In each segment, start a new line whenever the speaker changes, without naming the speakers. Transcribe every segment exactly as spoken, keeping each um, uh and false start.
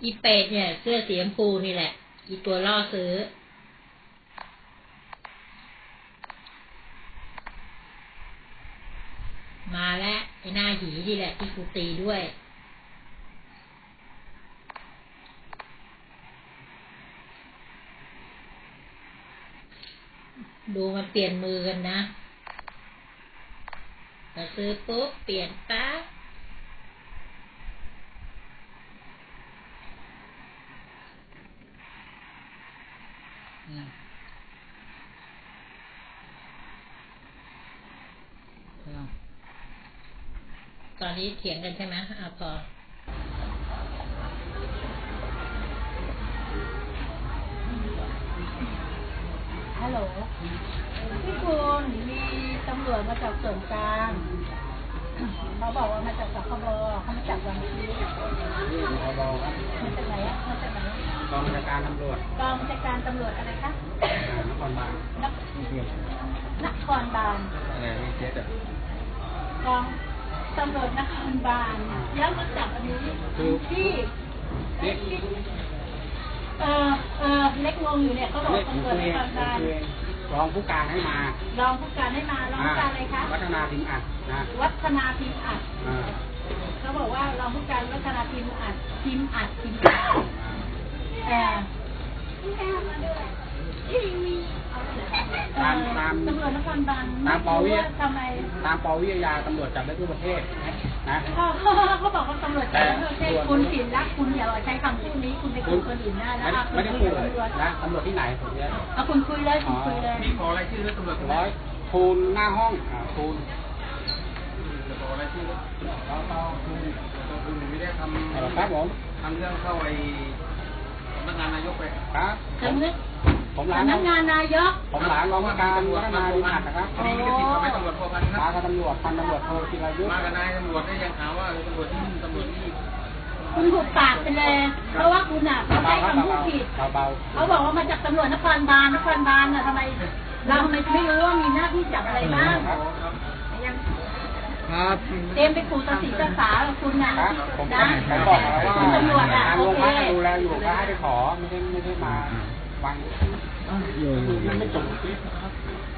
อีเป็ดเนี่ยเสื้อสีชมพูนี่แหละอีตัวล่อซื้อมาแล้วไอ้หน้าหีนี่แหละที่กูตีด้วยดูมันเปลี่ยนมือกันนะพอซื้อปุ๊บเปลี่ยนปั๊บตอนนี้เถียงกันใช่ไหมอ่ะพอ
ฮัลโหลพี่คุณมีตำรวจมาจากส่วนกลางเขาบอกว่ามาจากสคบเขามาจากวันนี้สคบมาจากไหนอะมาจากไหน
กองบัญชาการตำรวจ
กองบัญชาการตำรวจอะไรคะ
นครบาล
นนครบาล
อะไรไม่เจ็ดอ่ะ
กองตำรวจนครบาลแล้วมาจากอันนี้ที่เออเออเล็กงงอยู่เนี่ยเขาบอกตำรวจนครบาล
รองผู้การให้มาร
องผู้การให้มารองผู้การอะไรคะ
วัฒนาพิมพ์อัดนะ
วัฒนาพิมพ์อัดเขาบอกว่ารองผู้การวัฒนาพิมพ์อัดพิมพ์อัดพิมพ์อัดเออ
ตามตาม
ตำรวจนครบาล
ตามปวิ
ทำไม
ตามปวิทยาตำรวจจับได้ทั่วประเทศนะ
เขาบอกว่าตำรวจจับได้ทั่วประเทศคุณผิดละคุณอย่าใช้คำพูดนี้คุณไปคุยคนอื่นได้นะ
ไม่ได้คุยนะตำรวจที่ไหนผมเนี่ย
เอาคุณคุยเลยคุณคุยเลย
นี่ขออะไรชื่อตำรวจร้อยคูณหน้าห้องคูณขออะไรชื่อเราต้องคูณคูณไม่ได้ทำครับผมทำเรื่องเข้าไปสำนักงานนายกไปครับผมหลาน
สำนักงานนายก
ผมหลานรองผู้การวัฒนาพิมพ์อัดนะครับ
คดีลิขสิทธิ์ทำให้ตำรวจพอพันครับ
มากับตำรวจพันตำรวจโทจิรายุ
มากับนายตำรวจได้ยังหาว่าตำรวจที่ตำรวจที่
คุณหุบปากไปเลยเพราะว่าคุณอ่ะเขาใช้คำพูดผิดเขาบอกว่ามาจากตำรวจนครบาลนครบาลน่ะทำไมเราทำไมไม่รู้ว่ามีหน้าที่จับอะไรบ้าง
ครับ
เตรียมไปขู่ตัดสินตัดสาคุณนะนะ
ผมบอกแล้วว่า
ตำรวจอ่ะโอเค
ดูแลอยู่ก็ให้ไปขอไม่ได้ไม่ได้มาฟังอยู่ยังไม่จบคลิปนะครับ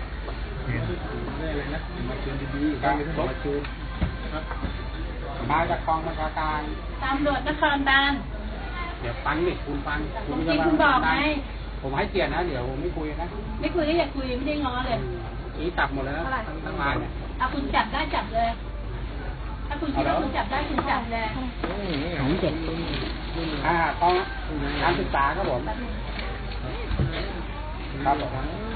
อะไรนะมาคืนดีๆการมาคืนมาจากกองบัญชาการ
ตำรวจนครบาล
เดี๋ยวฟังดิคุณฟัง
คุณคุณบอกไง
ผมให้เกียรตินะเดี๋ยวผมไม่คุยนะ
ไม่คุยก็อย่าคุยไม่ได้ง้อเลย
อีจับหมดแล้วทั้งทั้งร้านเนี่ย
เอาคุณจับได้จับเลยถ้าคุณคิดว่าคุณจับได้คุณจับเลย
ผมเจ็บอ่าต้องการศึกษาครับผมครับผม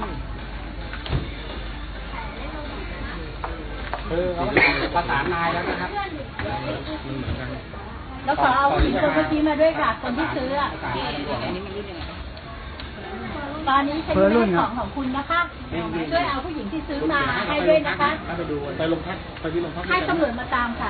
คือเขาประสานนายแล้วนะครับ
แล้วขอเอาผู้หญิงคนเมื่อกี้มาด้วยค่ะคนที่ซื้ออ่ะตอนนี้เป็นเรื่องของของคุณนะคะช่วยเอาผู้หญิงที่ซื้อมาให้ด้วยนะคะ
ไปดูไปลงพักไปที่ลงพัก
ให้ตำรวจมาตามค่ะ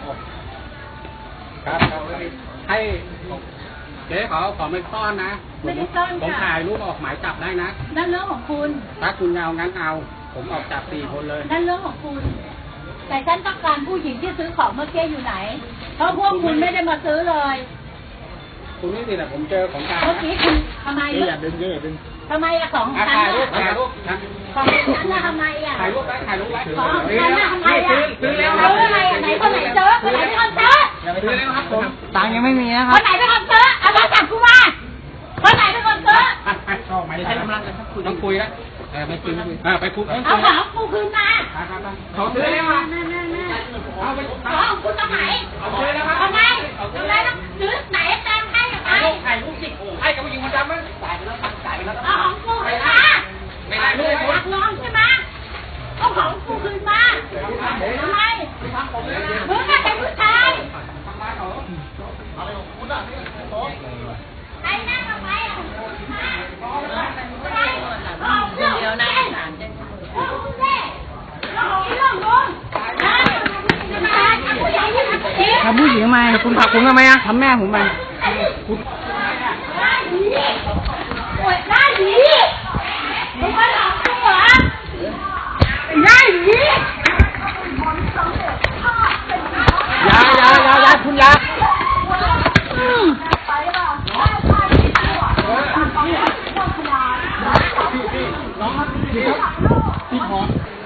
ครับให้เจ๊ขอขอไม่ต้อนนะ
ไม่ได้ต้อนค่ะ
ผมถ่ายรูปออกหมายจับได้นะ
นั่นเรื่องของคุณ
ถ้าคุณเอางั้นเอาผมออกจับสี่คนเลย
นั่นเรื่องของคุณแต่ฉันต้องการผู้หญิงที่ซื้อของเมื่อกี้อยู่ไหนเพราะพวกคุณไม่ได้มาซื้อเลย
คุณนี่สิแหละผมเจอของกลาง
เมื่อกี้คุณทำไม
อย่าดึงอย่าดึง
ทำไมอะของฉัน
ถ่ายรูปถ่ายรูป
ของฉันน่ะทำไมอะ
ถ่ายรูปไว้ถ่ายรูปไว้
ของฉันน่ะทำไมอะ
ซื้อแล้ว
ซื้ออะไรไหนคนไหนเจอคนไหนเป็นคนเจอ
ซื้อแล้วครับผม
ตังยังไม่มีนะครั
บคนไหนเป็นคนเจอเอามาจับกูมาคนไหนเป็นคนเจอ
ไม่ใช่กำลังต้องคุยแล้วเออไม่คุยไม่คุยเออไปคุย
เอาของกูคืนมา
เขาซื้อแล้วอ่ะ
เอาไปของคุณทำไม
เอาซื้อแล้วครับ
ทำไมทำไมต้องซื้อไหนแตงให้กับใคร
ถ่ายรูปสิให้กับผู้หญิงคนดำมั้ยจ่ายไปแล้วจ่ายไปแล้ว
เอาของกูคืนมา
ไม่ได้เลย
รักน้องใช่ไหมเอาของกูคืนมาทำไมมึงเป็นผู้ชายใครนั่งทำไมอ่ะเดี๋ยวนะถามจะ
ทำผู้หญิงทำไมคุณผลักผมทำไมอะทำแม่ผมไป
คุณได้ดีโอ้ยได้ดีมึงมาหลอกกูเหรอได้ดี
ยายายายาคุณยา
พี่พร